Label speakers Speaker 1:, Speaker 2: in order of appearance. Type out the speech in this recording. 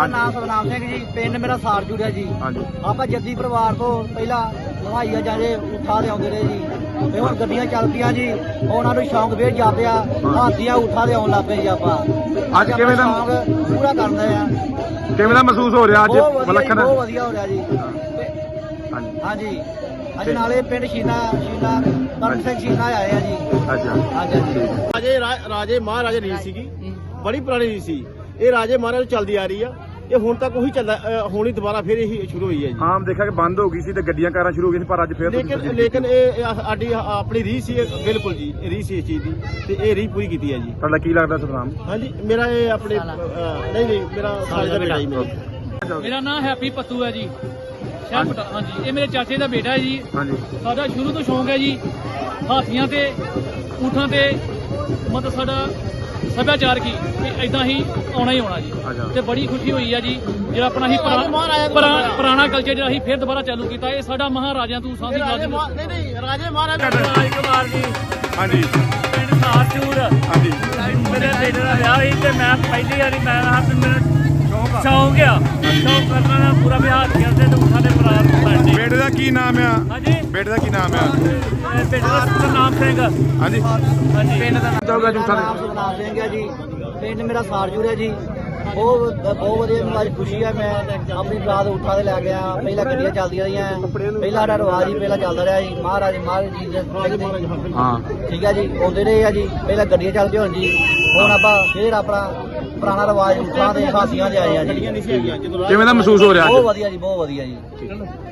Speaker 1: ਮੇਰਾ ਨਾਮ ਸਤਨਾਮ ਸਿੰਘ ਜੀ, ਪਿੰਡ ਮੇਰਾ ਸਾਰਜੂੜ ਹੈ ਜੀ। ਆਪਾਂ ਜੱਦੀ ਪਰਿਵਾਰ ਤੋਂ ਪਹਿਲਾਂ ਹਵਾਈਆ ਜਾਦੇ ਉਠਾ ਦੇ ਆਉਂਦੇ ਰਹੇ ਜੀ, ਤੇ ਹੁਣ ਗੱਡੀਆਂ ਚੱਲ ਪਈਆਂ ਜੀ, ਉਹਨਾਂ ਨੂੰ ਸ਼ੌਂਕ ਫੇਰ ਜਾਪਿਆ, ਹਾਥੀਆਂ ਉਠਾ ਦੇ ਆਉਣ ਲੱਗ ਪਏ ਜੀ। ਆਪਾਂ
Speaker 2: ਅੱਜ ਕਿਵੇਂ ਦਾ
Speaker 1: ਸ਼ੌਂਕ ਪੂਰਾ ਕਰਦੇ ਆ।
Speaker 2: ਕਿਵੇਂ ਦਾ ਮਹਿਸੂਸ ਹੋ ਰਿਹਾ ਅੱਜ? ਵਿਲੱਖਣ
Speaker 1: ਬਹੁਤ ਵਧੀਆ ਹੋ ਰਿਹਾ ਜੀ। ਹਾਂਜੀ ਅੱਜ ਨਾਲੇ ਪਿੰਡ ਸ਼ੀਨਾ ਕਰਮ ਸਿੰਘ ਸ਼ੀਨਾ ਆਏ ਆ ਜੀ।
Speaker 2: ਅੱਛਾ
Speaker 1: ਹਾਂਜੀ
Speaker 3: ਰਾਜੇ ਮਹਾਰਾਜੇ ਰੀਤ ਸੀਗੀ, ਬੜੀ ਪੁਰਾਣੀ ਰੀਤ ਸੀ। ਇਹ ਰਾਜੇ ਮਹਾਰਾਜੇ ਚੱਲਦੀ ਆ ਰਹੀ ਆ, ਇਹ ਹੁਣ ਤੱਕ ਉਹੀ ਚੱਲਦਾ, ਹੁਣ ਹੀ ਦੁਬਾਰਾ ਫਿਰ ਇਹੀ ਸ਼ੁਰੂ ਹੋਈ ਹੈ ਜੀ।
Speaker 2: ਆਮ ਦੇਖਿਆ ਕਿ ਬੰਦ ਹੋ ਗਈ ਸੀ ਤੇ ਗੱਡੀਆਂ ਕਾਰਾਂ ਸ਼ੁਰੂ ਹੋ ਗਈਆਂ ਸੀ, ਪਰ ਅੱਜ ਫਿਰ
Speaker 3: ਲੇਕਿਨ ਇਹ ਸਾਡੀ ਆਪਣੀ ਰੀਤ ਸੀ, ਬਿਲਕੁਲ ਜੀ ਰੀਤ ਸੀ ਇਸ ਚੀਜ਼ ਦੀ, ਤੇ ਇਹ ਰੀਤ ਪੂਰੀ ਕੀਤੀ ਹੈ ਜੀ।
Speaker 2: ਤੁਹਾਡਾ ਕੀ ਲੱਗਦਾ ਸਤਨਾਮ?
Speaker 3: ਹਾਂਜੀ ਮੇਰਾ ਇਹ ਆਪਣੇ ਨਹੀਂ ਮੇਰਾ ਸਾਲ ਦਾ ਬੇਟਾ ਜੀ।
Speaker 4: ਮੇਰਾ ਨਾਮ ਹੈਪੀ ਪੱਤੂ ਹੈ ਜੀ, ਸ਼ਹਿਰ ਹਾਂਜੀ। ਇਹ ਮੇਰੇ ਚਾਚੇ ਦਾ ਬੇਟਾ ਹੈ ਜੀ।
Speaker 2: ਹਾਂਜੀ
Speaker 4: ਸਾਡਾ ਸ਼ੁਰੂ ਤੋਂ ਸ਼ੌਂਕ ਹੈ ਜੀ ਹਾਥੀਆਂ ਤੇ ਊਠਾਂ ਤੇ, ਮਤਲਬ ਸਾਡਾ ਸੱਭਿਆਚਾਰ ਕੀ ਇਦਾਂ ਹੀ ਆਉਣਾ ਹੀ ਆਉਣਾ ਜੀ। ਤੇ ਬੜੀ ਖੁਸ਼ੀ ਹੋਈ ਹੈ ਜੀ ਜਿਹੜਾ ਆਪਣਾ ਹੀ ਪੁਰਾਣਾ ਕਲਚਰ ਜਿਹੜਾ ਅਸੀਂ ਫਿਰ ਦੁਬਾਰਾ ਚਾਲੂ ਕੀਤਾ। ਇਹ ਸਾਡਾ ਮਹਾਰਾਜਿਆਂ ਤੋਂ ਸਾਂਝੀ
Speaker 3: ਰਾਜੇ ਮਹਾਰਾਜਾ
Speaker 4: ਰਾਜ ਕੁਮਾਰ ਜੀ,
Speaker 2: ਹਾਂਜੀ
Speaker 4: ਪਿੰਡ ਸਾਰਚੂਰ।
Speaker 2: ਹਾਂਜੀ
Speaker 4: ਮੇਰੇ ਬੇਟੇ ਦਾ ਵਿਆਹ ਸੀ ਤੇ ਮੈਂ ਪਹਿਲੀ ਵਾਰੀ ਮੈਂ ਸ਼ੌਂਕ ਆ ਸ਼ੌਂਕ ਕਰਨਾ ਦਾ ਪੂਰਾ ਵਿਹਾਰ ਕਰਦੇ ਤੇ ਊਠਾਂ ਦੇ ਪ੍ਰਾਰ ਸਾਡੇ।
Speaker 2: ਬੇਟੇ ਦਾ ਕੀ ਨਾਮ ਆ?
Speaker 4: ਹਾਂਜੀ
Speaker 2: ਬੇਟੇ ਦਾ ਕੀ ਨਾਮ ਆ?
Speaker 4: ਬੇਟੇ ਦਾ ਸਤਨਾਮ ਸਿੰਘ।
Speaker 2: ਹਾਂਜੀ
Speaker 4: ਹਾਂਜੀ
Speaker 1: ਪਿੰਡ ਦਾ
Speaker 2: ਚਾਹੂਗਾ ਝੂਠਾ
Speaker 1: ਨਾਮ ਸਤਨਾਮ ਸਿੰਘ ਹੈ ਜੀ, ਪਿੰਡ ਮੇਰਾ ਸਾਰਜੂੜ ਹੈ ਜੀ। ਬਹੁਤ ਵਧੀਆ ਮੈਨੂੰ ਅੱਜ ਖੁਸ਼ੀ ਹੈ। ਮੈਂ ਆਪਣੀ ਬਰਾਤ ਉਠਾ ਦੇ ਲੈ ਗਿਆ। ਪਹਿਲਾਂ ਗੱਡੀਆਂ ਚੱਲਦੀਆਂ ਰਹੀਆਂ, ਪਹਿਲਾਂ ਸਾਡਾ ਰਿਵਾਜ ਹੀ ਪਹਿਲਾਂ ਚੱਲਦਾ ਰਿਹਾ ਜੀ। ਮਹਾਰਾਜ ਜੀ ਦੇ
Speaker 2: ਹਾਂ
Speaker 1: ਠੀਕ ਹੈ ਜੀ, ਆਉਂਦੇ ਰਹੇ ਆ ਜੀ। ਪਹਿਲਾਂ ਗੱਡੀਆਂ ਚੱਲਦੀਆਂ ਹੁਣ ਜੀ, ਹੁਣ ਆਪਾਂ ਫੇਰ ਆਪਣਾ ਪੁਰਾਣਾ ਰਿਵਾਜ ਉਠਾ ਦੇ ਹਾਸੀਆਂ ਦੇ ਆਏ ਆ ਜੀ।
Speaker 2: ਕਿਵੇਂ ਦਾ ਮਹਿਸੂਸ ਹੋ ਰਿਹਾ
Speaker 1: ਬਹੁਤ
Speaker 2: ਅੱਜ?
Speaker 1: ਵਧੀਆ ਜੀ, ਬਹੁਤ ਵਧੀਆ ਜੀ।